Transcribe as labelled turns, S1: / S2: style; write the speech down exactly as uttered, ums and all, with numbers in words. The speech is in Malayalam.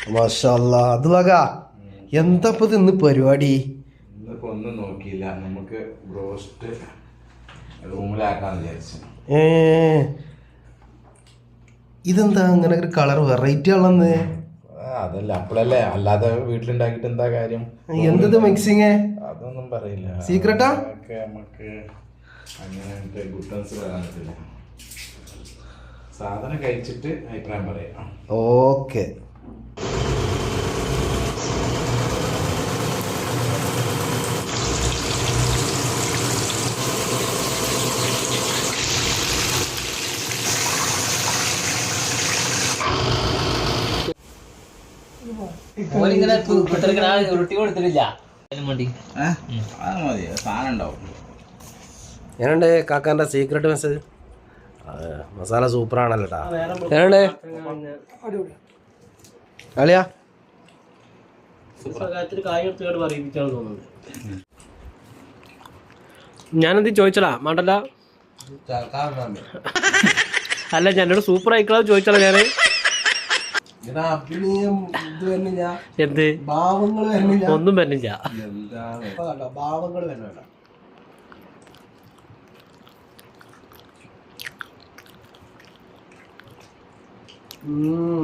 S1: മാഷാ അല്ലാ അത് വക എന്താ ഇപ്പൊ ഇന്ന് പരിപാടി?
S2: ഇന്നിപ്പോ ഒന്നും നോക്കിയില്ല, നമുക്ക് ബ്രോസ്റ്റ് റൂമിലാക്കാന്ന് വിചാരിച്ചു.
S1: ഏ ഇതെന്താ അങ്ങനെ ഒരു കളർ വെറൈറ്റി ആണെന്ന്?
S2: അതല്ല അപ്പോഴല്ലേ, അല്ലാതെ വീട്ടിലുണ്ടാക്കിട്ട് എന്താ കാര്യം?
S1: എന്തത് മിക്സിങ്?
S2: അതൊന്നും പറയില്ല,
S1: സീക്രട്ടാ.
S2: നമുക്ക് അങ്ങനത്തെ ഗുഡൻസ് വരാൻ പറ്റില്ല. സാധനം കഴിച്ചിട്ട് അഭിപ്രായം പറയാം.
S1: ഓക്കെ. ഞാനുണ്ട് കാക്കാന്റെ സീക്രട്ട് മെസ്സേജ്. മസാല സൂപ്പറാണല്ലോ ട്ടാ. ഞാനുണ്ട് അളിയാ ഞാനെന്ത് ചോദിച്ചടാ മാണ്ടല്ല. അല്ല ഞാനോട് സൂപ്പർ ആയിക്കളാ ചോദിച്ചടാ ഞാന്. എന്ത് ഒന്നും വരുന്നില്ല. ഭാവങ്ങൾ വരുന്നില്ല. Mm.